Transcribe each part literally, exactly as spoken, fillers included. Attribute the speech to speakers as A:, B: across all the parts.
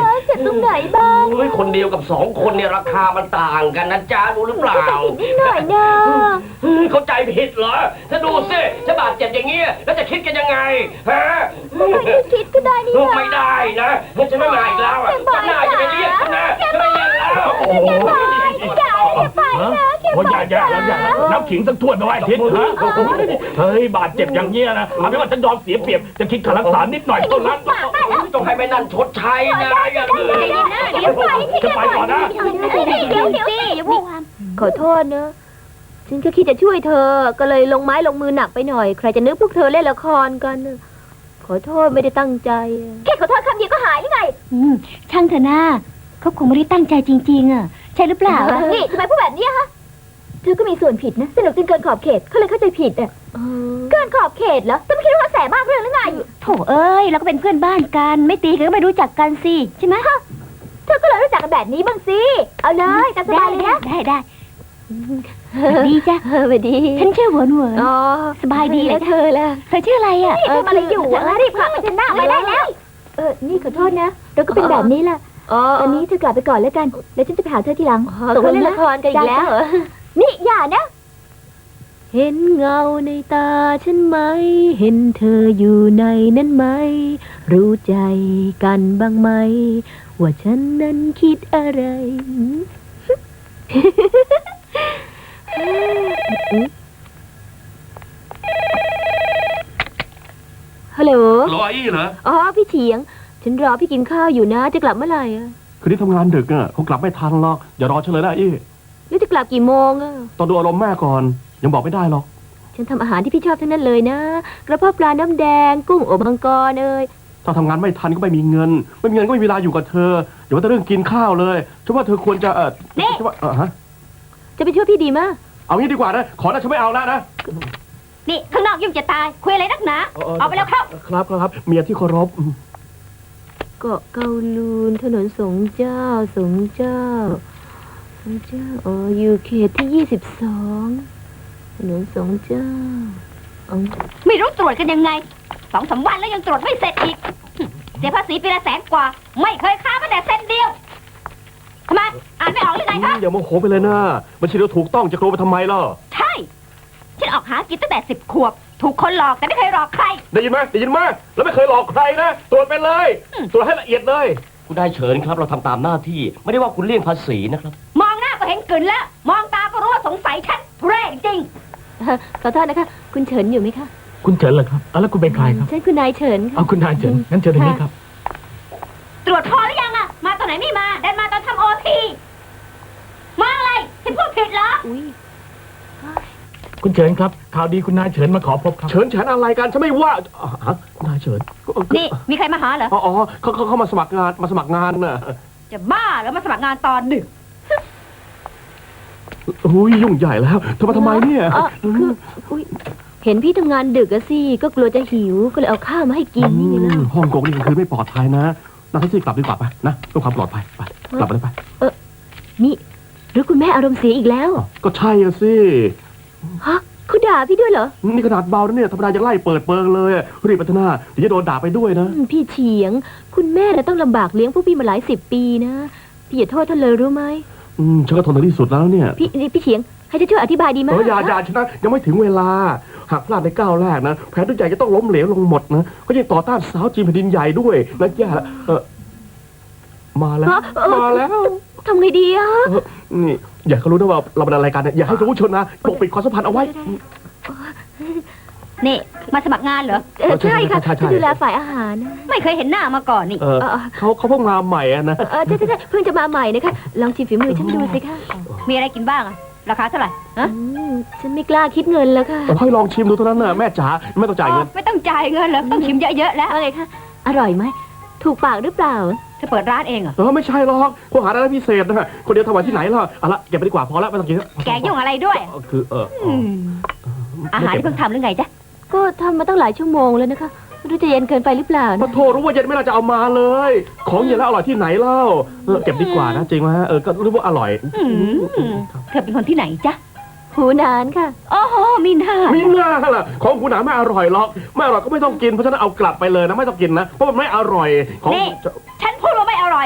A: เจ็บตรงไหนบ้าง
B: เฮ้ยคนเดียวกับสองคนเนี่ยราคามันต่างกันนะจ๊ะรู้หรือเปล่า
A: นิดหน่อยนะ
B: เข้าใจผิดเหรอถ้าดูสิจะบาดเจ็บอย่างเงี้ยแล้วจะคิดกันยังไงฮะ
A: ไม่คิดก็ได้นี่
B: ไม่ได้นะฉันไม่มาอีกแล้วอ่ะฉันน่าจะไปเรียกฉันนะฉันไม่เรียกแล้วโอ้โห
A: อย่าอย่าไปนะแกไป
C: อย่าอย่าอย่าน้ำขิงสักถ้วยไม่ไหวทิศฮะเฮ้ยบาดเจ็บอย่างเงี้ยนะเอาไม่ว่าฉันยอมเสียเปรียบจะคิดค่ารักษานิดหน่อยเท่านั้น
B: ต้องให้แม่นั่นชดใช้นะอย่างอื่น
A: เดี๋ยวไป
C: จะไปก่อนนะ
A: เดี๋ยวเดี๋ยวสิอย่าพูดขอโทษนะฉันก็คิดจะช่วยเธอก็เลยลงไม้ลงมือหนักไปหน่อยใครจะนึกพวกเธอเล่นละครกันขอโทษไม่ได้ตั้งใจแค่ขอโทษคำเดียวก็หายหรือไง
D: ช่างเถอะนะเขาคงไม่ได้ตั้งใจจริงๆอ่ะใช่หรือเปล่า
A: นี่ทำไมพูดแบบนี้ฮะเธอก็มีส่วนผิดนะสนุกจนเกินขอบเขตเขาเลยเข้าใจผิดอ่ะเกินขอบเขตเหรอจะไม่คิดว่าแสบมากเรื่องหรือไง
D: โถเอ้ยเราก็เป็นเพื่อนบ้านกันไม่ตีกันก็ไม่รู้จักกันสิใช่ไหม
A: เธอก็เลยรู้จักกันแบบนี้บ้างสิเอาเลยตามสบายเลยนะ
D: ได้ได้ดีจ้ะ
A: เออดี
D: ฉันชื่อหวนหวน
A: อ๋อ
D: สบายดี
A: แล้วเธอล่ะ
D: เธอชื่ออะไรอ่ะ
A: เธอมาอะไรอยู่อ่ะรีบขับไปชนะไปได้แล้วเออนี่ขอโทษนะเราก็เป็นแบบนี้แหละตอนนี้เธอกลับไปก่อนแล้วกันแล้วฉันจะไปหาเธอทีหลังตกลงเล่นละครกันอีกแล้วนี่อย่านะเห็นเงาในตาฉันไหมเห็นเธออยู่ในนั้นไหมรู้ใจกันบ้างไหมว่าฉันนั้นคิดอะไรฮัลโหล
C: รออี้เหรอ
A: อ๋อพี่เฉียงฉันรอพี่กินข้าวอยู่นะจะกลับเมื่อไหร่อ่ะ
C: คืนนี้ทำงานดึกอ่ะคงกลับไม่ทันหรอกอย่ารอฉันเลยนะอี้
A: แล้วจะกลับกี่โมงอ่ะ
C: ตอนดูอารมณ์แม่ก่อนยังบอกไม่ได้หรอก
A: ฉันทำอาหารที่พี่ชอบทั้งนั้นเลยนะกระเพาะปลาน้ำแดงกุ้งอบมังกรเลย
C: ถ้าทำงานไม่ทันก็ไม่มีเงินไม่มีเงินก็ไม่มีเวลาอยู่กับเธออย่าว่าแต่เรื่องกินข้าวเลยฉันว่าเธอควรจะเออฉันว่าเออฮะ
A: จะไปช่วยพี่ดีมั้ย
C: เอางี้ดีกว่านะขอนะฉันไม่เอาแล้วนะ
D: นี่ข้างนอกยุ่งจะตายคุยอะไรนักหนาเอาไปแล้วครับ
C: ครับครับเมียที่เคารพ
A: เกาะเกาลูนถนนสงเจ้าสงเจ้าสงเจ้าอ๋ออยู่เขตที่ยี่สิบสองถนนสงเจ้า
D: ไม่รู้ตรวจกันยังไงสองสามวันแล้วยังตรวจไม่เสร็จอีกเสียภาษีปีละแสนกว่าไม่เคยค้าแม้แต่เส้นเดียวทำไมอ่านไม่ออกหรือไงคะ
C: อย่าโมโหไปเลยนะบัญชีเราถูกต้องจะโกรธไปทำไมล่ะ
D: ใช่ฉันออกหากินตั้งแต่สิบขวบถูกคนหลอกแต่ไม่เคยหลอกใคร
C: ได้ยินไหมได้ยินไหมแล้วไม่เคยหลอกใครนะตรวจไปเลยตรวจให้ละเอียดเลย
B: คุณได้เชิญครับเราทำตามหน้าที่ไม่ได้ว่าคุณเลี่ยงภาษีนะครับ
D: มองหน้าก็เห็นกลืนแล้วมองตาก็รู้ว่าสงสัยฉันแรงจริง
A: ขอโทษนะคะคุณเฉินอยู่ไหมคะ
C: คุณเฉินเหรอครับแล้วคุณเป็นใครครับ
A: ฉันคุณนายเฉิน
C: เอาคุณนายเฉินงั้นเชิญตรงนี้ครับ
D: ตรวจพอหรือยังอะมาตอนไหนไม่มาเดินมาตอนทำโอทีมาอะไรฉันพูดผิดเหรอ
C: คุณเฉินครับข่าวดีคุณนายเฉินมาขอพบครับเฉินเฉินอะไรกันฉันไม่ว่าฮะนายเฉิน
D: นี่มีใครมาหาเหรอ
C: อ๋อเขาเขาเขามาสมัครงานมาสมัครงานน่ะ
D: จะบ้าแล้วมาสมัครงานตอนดึก
C: อุ้ยยุ่งใหญ่แล้วเธอมาทำไมเนี่ย
A: คือเห็นพี่ทำงานดึกอะสิก็กลัวจะหิวก็เลยเอาข้าวมาให้กินนี่ไงล่ะ
C: ฮ่องกงนี่คือไม่ปลอดภัยนะนั่งแท็กซี่กลับดีกว่าไปนะเพื่อความปลอดภัยไปกลับไปเลยไป
A: เออนี่หรือคุณแม่อารมณ์เสียอีกแล้ว
C: ก็ใช่อะสิ
A: ฮะคุณด่าพี่ด้วยเหรอ
C: นี่ขนาดเบาแล้วเนี่ยธรรมดายังไล่เปิดเปิงเลยรีบพัฒนาเดี๋ยวจะโดนด่าไปด้วยนะ
A: พี่เฉียงคุณแม่น่ะต้องลำบากเลี้ยงพวกพี่มาหลายสิบปีนะพี่อย่าโทษท่านเลยรู้ไหม
C: อืมฉันก็ทนถึงที่สุดแล้วเนี่ย
A: พี่พี่เฉียงให้จะช่วยอธิบายดีไหม
C: เอออย่าอย่าชนะยังไม่ถึงเวลาหากพลาดในก้าวแรกนะแผนทุกอย่างจะต้องล้มเหลวลงหมดนะก็ยังต่อต้านสาวจีนแผ่นดินใหญ่ด้วยนะแย่ละเออมาแล้วมาแล้ว
A: ทำไงดีอ่ะ
C: นี่อย่าเขารู้นะว่าเราเป็นอะไรกันเนี่ยอย่าให้รู้ชนนะปกปิดความสัมพันธ์เอาไว้
D: นี่มาสมัครงานเหรอ
A: ใช่ค่ะจะดูแลฝ่ายอาหาร
D: ไม่เคยเห็นหน้ามาก่อนนี่
C: เขาเขาเพิ่งมาใหม่นะ
A: เออใช่ใช่เพิ่งจะมาใหม่นะคะลองชิมฝีมือฉันดูสิคะ
D: มีอะไรกินบ้างอะราคาเท่าไหร่ฮะ
A: ฉันไม่กล้าคิดเงินแล้วค่ะ
C: ให้ลองชิมดูเท่านั้นน่ะแม่จ๋าไม่ต้องจ่ายเงิน
D: ไม่ต้องจ่ายเงินแล้วต้องชิมเยอะๆแล้ว
A: อะไรคะอร่อยไหมถูกปากหรือเปล่า
D: เธอเปิดร้านเองเหรอ
C: เออไม่ใช่หรอกผู้หาร้านพิเศษนะคนเดียวทำไว้ที่ไหนล่ะเอาละเก็บไปดีกว่าพอแล้วไม่ต้องกิน
D: แกยุ่งอะไรด้วย
C: คือเออ
D: อาหารที่เพิ่งทำหรือไงจ๊ะ
A: ก็ทำมาตั้งหลายชั่วโมงแล้วนะคะไม่รู้จะเย็นเกินไปหรือเปล่า
C: พอโทรรู้ว่าเย็นไม่น่าจะเอามาเลยของเย็นแล้วอร่อยที่ไหนเล่าเก็บดีกว่านะจริงไหมเออก็รู้ว่าอร่อย
D: เธอเป็นคนที่ไหนจ๊ะ
A: หูนานค่ะ
D: อ๋อมีหน้า
C: มีหน้าล่ะของหูหนานไม่อร่อยหรอกไม่อร่อยก็ไม่ต้องกินเพราะฉะนั้นเอากลับไปเลยนะไม่ต้องกินนะเพราะมันไม่อร่อย
D: ของฉันพูดว่าไม่อร่อย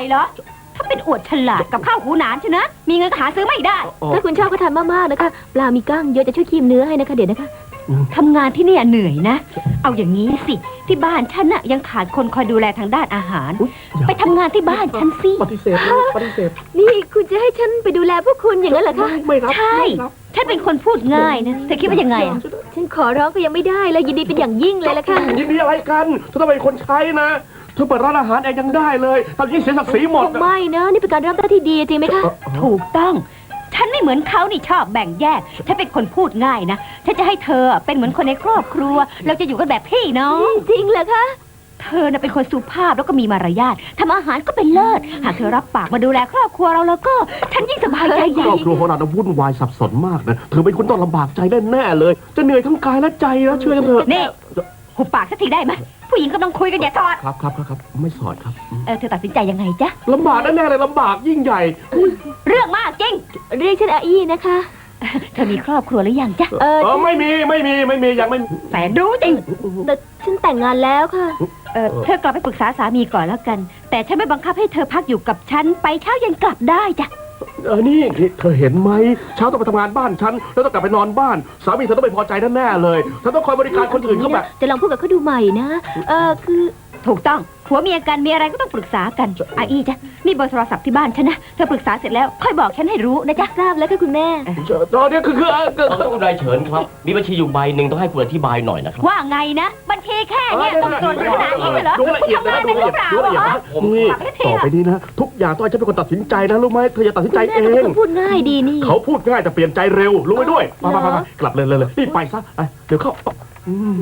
D: เหรอ ถ้าเป็นอวดฉลาดกับข้าวหูหนานใช่นะ มีเงินก็หาซื้อไม่ได้
C: อ๋อ
A: ถ้าคุณชอบก็ทานมากๆนะคะ ปลามีก้างเยอะจะช่วยคีมเนื้อให้นะคะเดี๋ยวนะคะ
D: ทำงานที่เนี่ยเหนื่อยนะ เอาอย่างนี้สิ ที่บ้านฉันน่ะยังขาดคนคอยดูแลทางด้านอาหาร
C: อุ๊ยอย่า
D: ไปทำงานที่บ้านฉันสิ
C: ปฏิเสธนะปฏิเสธ
A: นี่คุณจะให้ฉันไปดูแลพวกคุณอย่างนั้นเหรอคะ
C: ไม่ไม่รับ
D: ใช่
C: ไม่รับ
D: ฉันเป็นคนพูดง่ายนะเธอคิดว่ายังไงอะ
A: ฉันขอร้องก็ยังไม่ได้เลยยินดีเป็นอย่างยิ่งเลยละค่ะ
C: ยินดีอะไรกันเธอต้องเป็นคนใช้นะเธอเปิดร้านอาหารเองยังได้เลยทำยิ่งเสียศักดิ์ศรีหมด
A: คงไม่นะนี่เป็นการเริ่มต้นที่ดีจริงไหมคะ
D: ถูกต้อง ฉันไม่เหมือนเขานี่ชอบแบ่งแยก ฉันเป็นคนพูดง่ายนะ ฉันจะให้เธอเป็นเหมือนคนในครอบครัว เราจะอยู่กันแบบพี่น้อง
A: จริงเหรอคะ
D: เธอน่ะเป็นคนสุภาพแล้วก็มีมารยาททำอาหารก็เป็นเลิศ หากเธอรับปากมาดูแลครอบครัวเราแล้วก็ ฉันยิ่งสบายใจให
C: ค
D: ญ่
C: รอบครัวของเราน่ะวุ่นวายสับสนมากนะเธอเป็นคนต้องลำบากใจแน่ๆเลย จะเหนื่อยทั้งกายและใจนะเชื่อกันเถอะ
D: นี่หุบปากสักทีได้ไหมผู้หญิงกำลังคุยกันอย่าสอด
C: ครับครับครับครับไม่สอดครับ
D: เออเธอตัดสินใจยังไงจ๊ะ
C: ลำบากแน่ๆเลยลำบากยิ่งใหญ่
D: เรื่องมากจริง
A: เรียกฉันอาอี้นะคะ
D: เธอมีครอบครัวหรือยังจ๊ะ
A: เออ
C: เออไม่มีไม่มีไม่มียังไม่มี
D: แสนรู้จริง
A: แต่ฉันแต่งงานแล้วค่ะ
D: เออเธอกลับไปปรึกษาสามีก่อนแล้วกัน แต่ฉันไม่บังคับให้เธอพักอยู่กับฉันไปเช้าเย็นกลับได้จ้ะ
C: เออนี่นี่เธอเห็นไหมเช้าต้องไปทำงานบ้านฉันแล้วต้องกลับไปนอนบ้าน สามีเธอต้องไม่พอใจแน่ๆเลยเธอต้องคอยบริการคนอื่นเขาแบบ
A: จะลองพูดกับเขาดูใหม่นะ เออคือ
D: ถูกต้องผัวเมียกันมีอะไรก็ต้องปรึกษากันอาอีจ้ะนี่เบอร์โทรศัพท์ที่บ้านฉันนะเธอปรึกษาเสร็จแล้วค่อยบอกฉันให้รู้นะจ๊ะ
A: ทราบแล้วค่ะคุณแม่
C: ตอนนี้คือคือเออคือ
B: ต้องคุณนายเฉินครับ มีบัญชีอยู่ใบหนึ่งต้องให้คุณอธิบายหน่อยนะครับ
D: ว่าไงนะบัญชีแค่เนี้ยต้องตรวจขนาดนี้เลยเหรอ
C: ดูละเอียด
D: ทำ
C: นะ
D: งาน
C: ดู
D: เป็น
C: ละ
D: หรื
C: เอี
D: อย เปล่า
C: ดดูละเอียด
D: เหรอ
C: นะนี่ต่อไปนี้นะ ทุกอย่างต้องให้ฉันเป็นคนตัดสินใจนะรู้ไหมเธออย่าตัดสินใจ
A: แม่
C: เอ
A: ก็เป็น
C: ง
A: คนพูดง่ายดีนี่
C: เขาพูดง่ายแต่เปลี่ยนใจเร็วรู้ไหมด้วยไปไปไปไปกลับเลยเลยเลยรีบไปซะไปเดี๋ยวเข้าอืม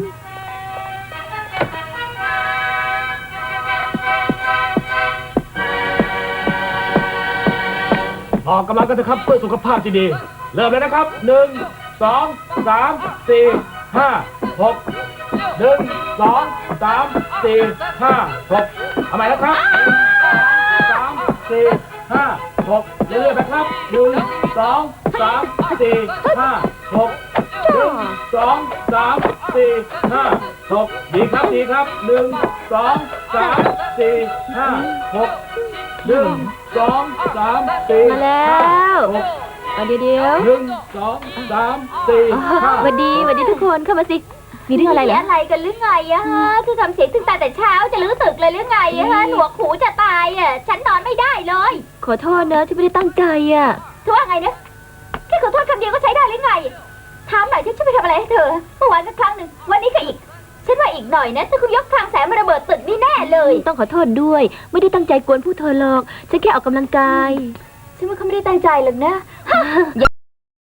C: ออกกำลังกันเถอะครับเพื่อสุขภาพที่ดี เริ่มเลยนะครับหนึ่งสองสามสี่ห้าหกหนึ่งสองสามสี่ห้าหกเอาใหม่แล้วครับสามสี่ห้าหกเรื่อยๆไปครับหนึ่งสองสามสี่ห้าหกหนึ่งสองสามสี่ห้าหกดีครับดีครับหนึ่งสองสามสี่ห้าหกหนึ่งสองสามสี่
A: มาแล้ว
C: หก
A: มาเดี๋ยวเดี๋ยว
C: หนึ่งสองสามสี่ห้า
A: สวัสดีสวัสดีทุกคนเข้ามาสิ มีเรื่องอะไรเหรอ
E: อะไรกันหรือไงอะฮะคือทำเสียงตึงตาแต่เช้าจะลื้อตึกเลยหรือไงอะฮะหนวกหูจะตายอะฉันนอนไม่ได้เลย
A: ขอโทษนะที่ไม่ได้ตั้งใจอ่ะ
E: เธอว่าไงนะแค่ขอโทษคำเดียวก็ใช้ได้หรือไงถามหน่อยฉันจะไปทำอะไรให้เธอเมื่อวานก็ครั้งหนึ่งวันนี้ก็อีก ฉันว่าอีกหน่อยนะถ้าคุณยกทางแสงมาระเบิดตึกนี่แน่เลย
A: ต้องขอโทษด้วย ไม่ได้ตั้งใจกวนผู้เธอหรอก ฉันแค่ออกกำลังกาย
E: ฉันว่าเขาไม่ได้ตั้งใจหรอกนะ